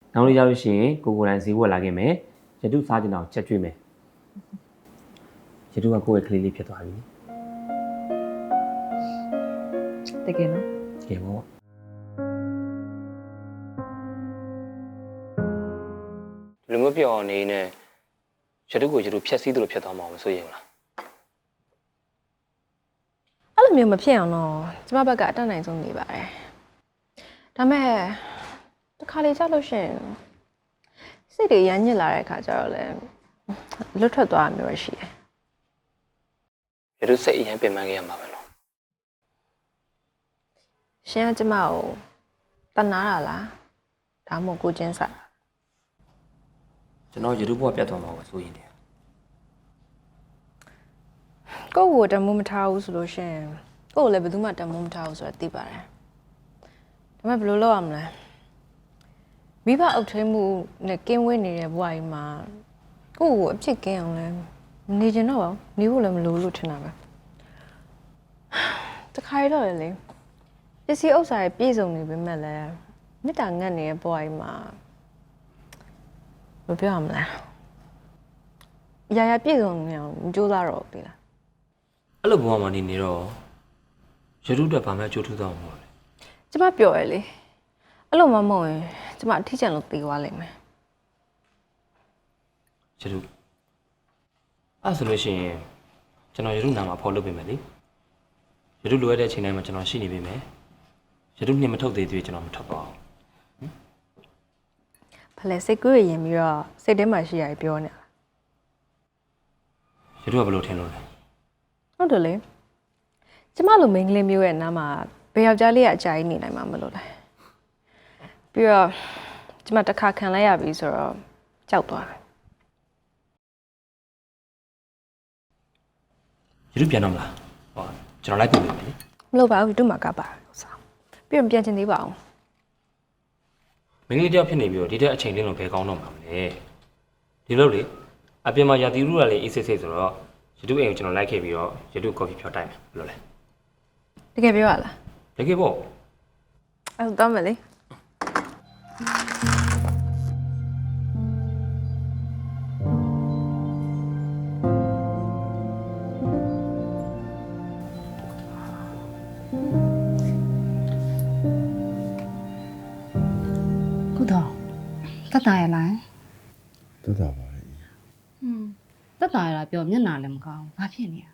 နောက်နေ့ရောက်လို့ရှိရင်ကိုတိုင်းဈေးဝယ်လာခဲ့မယ်ရတုစားကျင်အောင်ချက်ကျွေးမယ်ရတုကကိုယ့်ရဲ့ကလေးလေးဖြစ်သွားပြီတကယ်နော်တကယ်ပေါ့လူမျိုးပြောင်းနေနဲ့ရတုကိုရတုဖြက်စီးသလိုဖြစ်သွားမှာမဆိုရင်လားအဲ့လိုမျိုးမဖြစ်အောင်တော့ကျမဘက်ကအတတ်နိုင်ဆုံးနေပါတယ်ဒါမဲ့တစ်ခါလေကြောက်လို့ရှိရင်စိတ်တွေရမ်းညစ်လာတဲ့အခါကျတော့လည်းလွတ်ထွက်သွားတာမျိုးရှိတယ်ရတုစိတ်အရင်ပြင်ပန်းခဲ့ရမှာပဲနော်ရှင်ကကျမကိုတနာတာလားဒါမှမဟုတ်ကိုချင်းစားကျွန်တော်ရတုဘဝပြတ်သွားမှာပဲဆိုရင်တည်းကိုယ့်ကိုတမိုးမထားဘူးဆိုလို့ရှိရင်ကိုယ့်ကိုလည်းဘယ်သူမှတမိုးမထားဘူးဆိုတာသိပါတယ်ဒါပေမဲ့ဘယ်လိုလုပ်ရမလဲမိဘအုပ်ထိန်းမှုနဲ့ကင်းဝေးနေတဲ့ဘဝကြီးမှာကိုယ့်ကိုအဖြစ်ကင်းအောင်လဲနေချင်တော့ပါနေဖို့လည်းမလိုလို့ထင်တာပဲတခါရတော့လေပစ္စည်းဥစ္စာတွေပြည့်စုံနေပေမဲ့လည်းမေတ္တာငတ်နေတဲ့ဘဝကြီးမှာဘယ်ပြောရမလဲရာရာပြည့်စုံနေအောင်ကြိုးစားတော့ပြီလားအဲ့လိုဘဝမှာနေတော့ရတုတက်ဘာမှအကျိုးထူးသွားမှာမဟုတ်လေကျမပြောရလေအဲ့လိုမှမဟုတ်ရင်ကျမအထီးကျန်လို့ပြေးသွားလိမ့်မယ်ရတုအဲ့ဆိုလို့ရှိရင်ကျွန်တော်ရတုနာမှာဖော်လုပ်ပေးမယ်လေရတုလိုရတဲ့အချိန်တိုင်းမှာကျွန်တော်ရှိနေပေးမယ်ရတုနှင်မထုတ်သေးသေးကျွန်တော်မထွက်ပါဘူးဖလဲစိတ်ကူးရရင်ပြီးတော့စိတ်ထဲမှာရှိရပြောနေတာရတုကဘယ်လိုထင်လို့လဲဟုတ်တယ်လေကျမလိုမိန်းကလေးမျိုးရဲ့နားမှာဘယ်ယောက်ျားလေးကအကြာကြီးနေနိုင်မှာမလို့လဲပြီးတော့ကျမတစ်ခါခံလိုက်ရပြီဆိုတော့ကြောက်သွားတယ်ရတုပြန်တော့မလားဟောကျွန်တော်လိုက်ပြင်ပေးမယ်လေမလို့ပါဘူးတို့မှာကပါဆောပြီးတော့ပြန်ချင်သေးပါအောင်မင်းကလေးတယောက်ဖြစ်နေပြီးတော့ဒီတဲ့အချိန်လေးလုံးဘယ်ကောင်းတော့မှာမလဲဒီလိုလေအပြင်မှာရာသီဥတုကလည်းအေးဆေးဆေးဆိုတော့ရတုအိမ်ကိုကျွန်တော်လိုက်ခဲ့ပြီးတော့ရတုကော်ဖီဖြောတိုက်မယ်ဘယ်လိုလဲတကယ်ပြောရလားတကယ်ပေါ့အဲ့တော့မယ်လေတက်တာရလားတက်တာပါလေတက်တာရလားပြောမျက်နှာလည်းမကောင်းဘာဖြစ်နေရ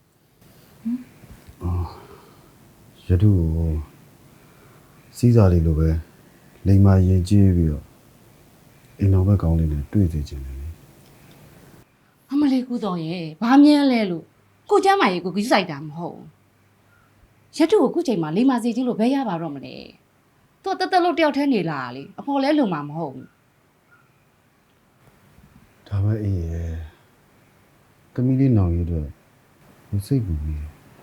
ရတုကိုစီးစားလေးလိုပဲလိမ်မာရင်ကြီးပြီးတော့အိမ်တော်ဘက်ကောင်းလေးနဲ့တွေ့စေချင်တယ်လေအမလေးကူတော်ရဲ့ဘာမြဲလဲလို့ကိုကျမ်းမာရေးကိုကြီးဆိုင်တာမဟုတ်ရတုကိုခုချိန်မှာလိမ်မာစီကြီးလို့ဘယ်ရပါတော့မလဲသူတက်တက်လို့တယောက်တည်းနေလာလေအဖော်လဲလုံမှာမဟုတ်ဘူးဒါပဲအေးရဲ့တမီးလေးနောင်ရတော့မစိတ်ဘူးလေ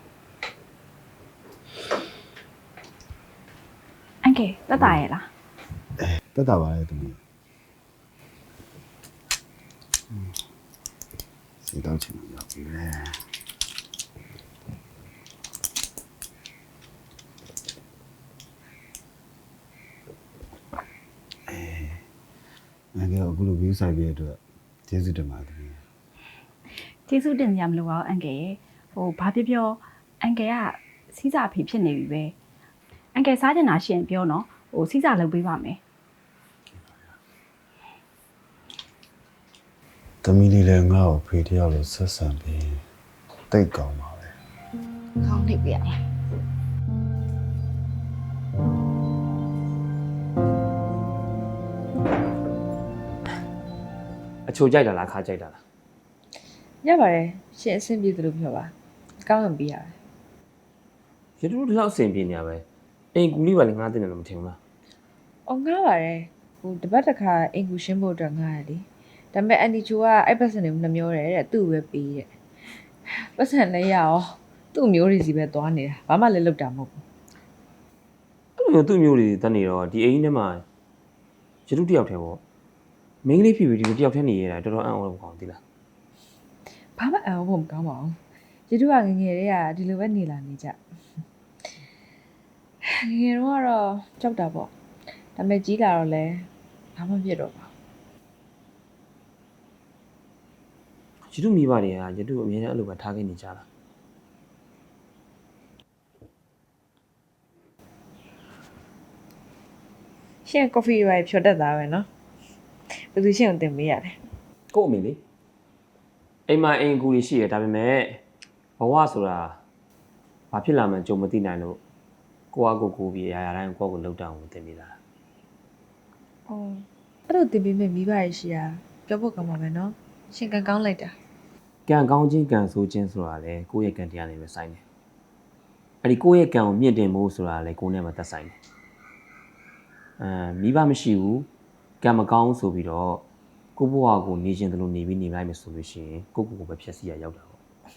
အန်ကေတက်တာရဲ့လားတက်တာပါလေတမီးစီတောင်းချင်လို့ရောက်ပြီလေငါကတော့အခုလိုဗီးဆိုင်ပြတဲ့အတွက်ကျေးဇူးတင်ပါတယ်ကျေးဇူးတင်ကြမလို့ပါအန်ကေရဲ့ဟိုဘာပြောပြောအန်ကေကစီးစာအဖေဖြစ်နေပြီပဲအန်ကေစားချင်တာရှင်ပြောနော်ဟိုစီးစာလုပ်ပေးပါမယ်တမီးလေးလည်းငါ့ကိုဖေးတယောက်လိုဆက်ဆံပြီးတိတ်ကောင်းပါပဲကောင်းနေပြီလားအချိုကြိုက်တာလားခါကြိုက်တာလားရပါတယ်ရှင်အဆင်ပြေသလိုပြောပါကောင်းရင်ပြီးရတယ်ရတုဒီလောက်အဆင်ပြေနေရပဲအိမ်ကူလေးပါလေငါးတင်တယ်လို့မထင်ဘူးလားအော်ငားပါတယ်ဟိုတပတ်တစ်ခါအင်ကူရှင်းဖို့အတွက်ငားရလေဒါပေမဲ့အန်တီချိုကအဲ့ပတ်စံတွေနှမျောတယ်တဲ့သူ့ပဲပေးတဲ့ပတ်စံလည်းရအောင်သူ့မျိုးတွေစီပဲသွားနေတာဘာမှလည်းလုပ်တာမဟုတ်ဘူးအဲ့လိုသူ့မျိုးတွေတက်နေတော့ဒီအိမ်ထဲမှာရတုတယောက်တည်းပေါ့မင်းကလေးဖြစ်ပြီးဒီတယောက်တည်းနေရတာတော်တော်အံ့ဩလို့ကောင်းသီးလားဘာမှအံ့ဩဖို့မကောင်းပါဘူးရတုကငငယ်လေးကဒီလိုပဲနေလာနေကြငငယ်တော့ကတော့ကြောက်တာပေါ့ဒါပေမဲ့ကြီးလာတော့လဲဘဘာမှဖြစ်တော့ပါရတုမိဘတွေကရတုအမြဲတမ်းအဲ့လိုပဲထားခဲ့နေကြတာရှင်ကော်ဖီရိုင်ဖြော်တတ်တာပဲเนาะဘယ်သူရှင်ကိုတင်ပေးရလဲကို့အမေလေအိမ်မှာအိမ်အကူကြီးရှိရဒါပေမဲ့ဘဝဆိုတာဘာဖြစ်လာမှန်းကြုံမသိနိုင်လို့ကိုယ့်အကိုပြီးအရာရာတိုင်းကိုယ့်ကိုလှုပ်တောင်းတင်ပေးတာအော်အဲ့လိုတင်ပေးမဲ့မိဘရရှိတာပြောဖို့ကောင်းပါမယ်เนาะရှင်ကန်ကောင်းလိုက်တာကံကောင်းခြင်းကံဆိုးခြင်းဆိုတာလေကိုယ့်ရဲ့ကံတရားနဲ့ပဲဆိုင်တယ်အဲ့ဒီကိုယ့်ရဲ့ကံကိုမြင့်တင်ဖို့ဆိုတာလေကိုယ်နဲ့မှသက်ဆိုင်တယ်မိဘမရှိဘူးကံမကောင်းဆိုပြီးတော့ကိုယ့်ဘဝကိုနေခြင်းတလို့နေပြီးနေလိုက်မယ်ဆိုလို့ရှိရင်ကိုယ့်ကိုယ်ပဲဖြည့်ဆည်းရရောက်တာပေါ့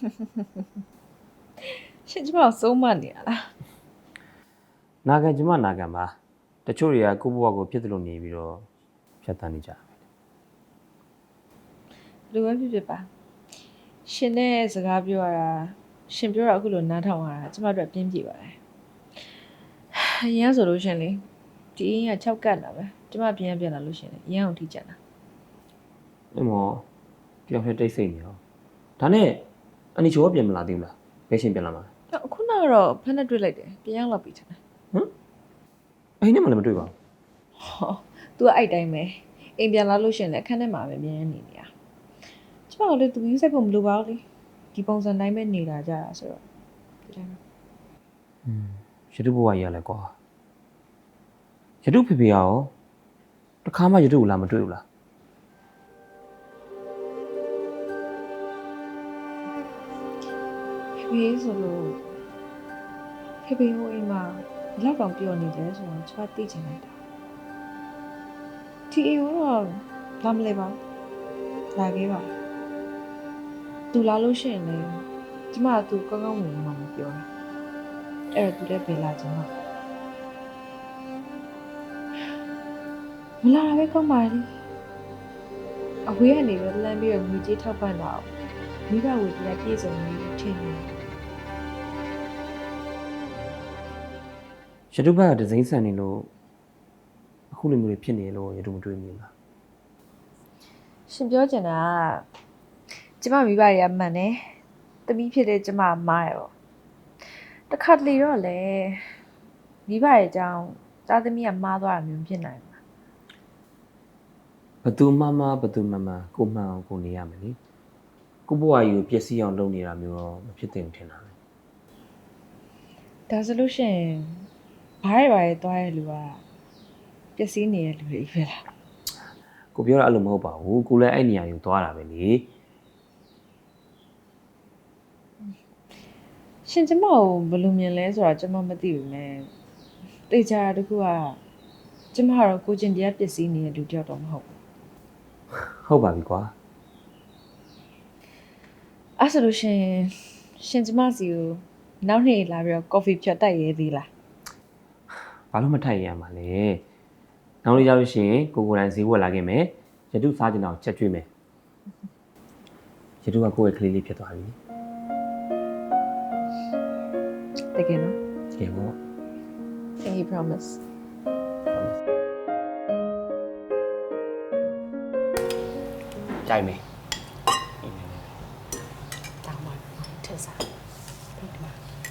ရှင်ကျမကိုစိုးမနေရလားနာခံကျမနာခံပါတချို့တွေကကိုယ့်ဘဝကိုဖြစ်တယ်လို့နေပြီးတော့ဖြတ်တန်းနေကြတယ်လူပဲဖြစ်ဖြစ်ပါရှင်နဲ့စကားပြောရတာရှင်ပြောတာအခုလိုနားထောင်ရတာကျမတို့ပြင်းပြေပါတယ်အရင်ဆိုလို့ရှင်လေဒီအင်းက6ကတ်လာပဲကျမပြန်လာလို့ရှင်လေအရင်အောင်ထိကြတာအဲ့မောကြောက်ရတိတ်ဆိတ်နေရောဒါနဲ့အန်နီချိုကပြန်မလာသေးဘူးလားဘယ်ရှင်ပြန်လာမှာအခုကတော့ဖက်နဲ့တွေ့လိုက်တယ်ပြန်ရောက်လာပြီထင်တယ်အဲ့ဒီနဲ့မှလည်းမတွေ့ပါဘူးဟော तू ကအဲ့တိုင်းပဲအိမ်ပြန်လာလို့ရှင်လေအခန်းထဲမှာပဲမြင်နေနေတာကျမကလည်း तू ယူဆိုင်ဖို့မလိုပါဘူးလေဒီပုံစံတိုင်းပဲနေတာကြတာဆိုတော့ဒီတိုင်းပဲရတုဘဝကြီးရလဲကွာရတုဖေဖေရောတခါမှရတုကိုလာမတွေ့ဘူးလားဖေးဆိုလို့ဖေဟိုအိမ်မှာဘလောက်တောင်ပြောနေလဲဆိုတော့ကျမသိချင်လိုက်တာဒီအိမ်ကတော့လာမလဲပါလာခဲ့ပါသူလာလို့ရှိရင်လည်းကျမကသူကောင်းကောင်းဝင်မှမပြောတာအဲ့တော့သူလည်းပဲလာချင်မှာမလာတာပဲကောင်းပါလေအဝေးကနေပဲလမ်းပြီးတော့ငွေကြေးထောက်ပံ့တာမိဘဝေတရားပြည့်စုံနေထင်တယ်ရတုဘက်ကဒဇိမ့်ဆန်နေလို့အခုလိုမျိုးတွေဖြစ်နေလို့ရတုမတွေ့မိဘူးလားရှင်ပြောချင်တာကကျမမိဘတွေကမှန်တယ်တမီးဖြစ်တဲ့ကျမမားရပေါ့တခါတလေတော့လေမိဘရဲ့အကြောင်းသားသမီးကမားသွားတာမျိုးဖြစ်နိုင်မှာဘသူမှကိုမှန်အောင်ကိုနေရမယ်လေကိုဘဝကြီးကိုပျက်စီးအောင်လုပ်နေတာမျိုးတော့မဖြစ်သင့်ဘူးထင်တာပဲဒါဆိုလို့ရှိရင်ဘာရဲသွားရဲ့လူကပျက်စီးနေတဲ့လူတွေပဲလားကိုပြောတာအဲ့လိုမဟုတ်ပါဘူးကိုလည်းအဲ့နေရာကိုသွားတာပဲလေရှင်ကျမကိုဘယ်လိုမြင်လဲဆိုတာကျမမသိဘူးနဲ့တေချာတခုကကျမကတော့ကိုကျင်တရားပျက်စီးနေတဲ့လူတယောက်တော့မဟုတ်ဘူးဟုတ်ပါပြီကွာအဲ့ဆိုလို့ရှိရင်ရှင်ကျမစီကိုနောက်နေ့လာပြီးတော့ကော်ဖီဖြတ်တိုက်ရဲသေးလားဘာလို့မထိုက်ရမှာလဲနောက်နေ့ရောက်လို့ရှိရင်ကိုယ်တိုင်ဈေးဝယ်လာခဲ့မယ်ရတုစားကျင်အောင်ချက်ကျွေးမယ်ရတုကကိုယ့်ရဲ့ကလေးလေးဖြစ်သွားပြီတကယ်နော်တကယ်ပေါ့ Can you promise ကြိုက်မယ်တောင်းပါထက်စားဒီမှာ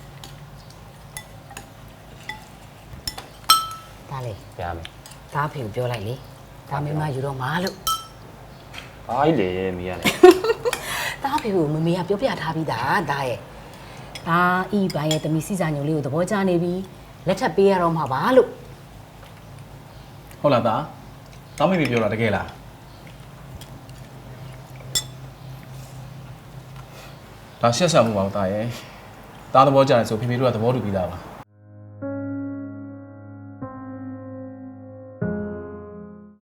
ဒါလေပြမယ်ဒါဖေကိုပြောလိုက်လေဒါမင်းမယူတော့မှာလို့ဘာကြီးလေမိရလေဒါဖေကိုမမေကပြောပြထားပြီးသားဒါရဲ့ဒါဤပိုင်းရဲ့တမီစီစာညုံလေးကိုသဘောကျနေပြီလက်ထပ်ပေးရတော့မှာပါလို့ဟုတ်လားသားတောင်းမိပြီပြောတာတကယ်လားဒါရှက်ဆံမှုပါဦးသားရဲ့သားသဘောကျတယ်ဆိုဖေဖေတို့ကသဘောတူပြီးသားပါ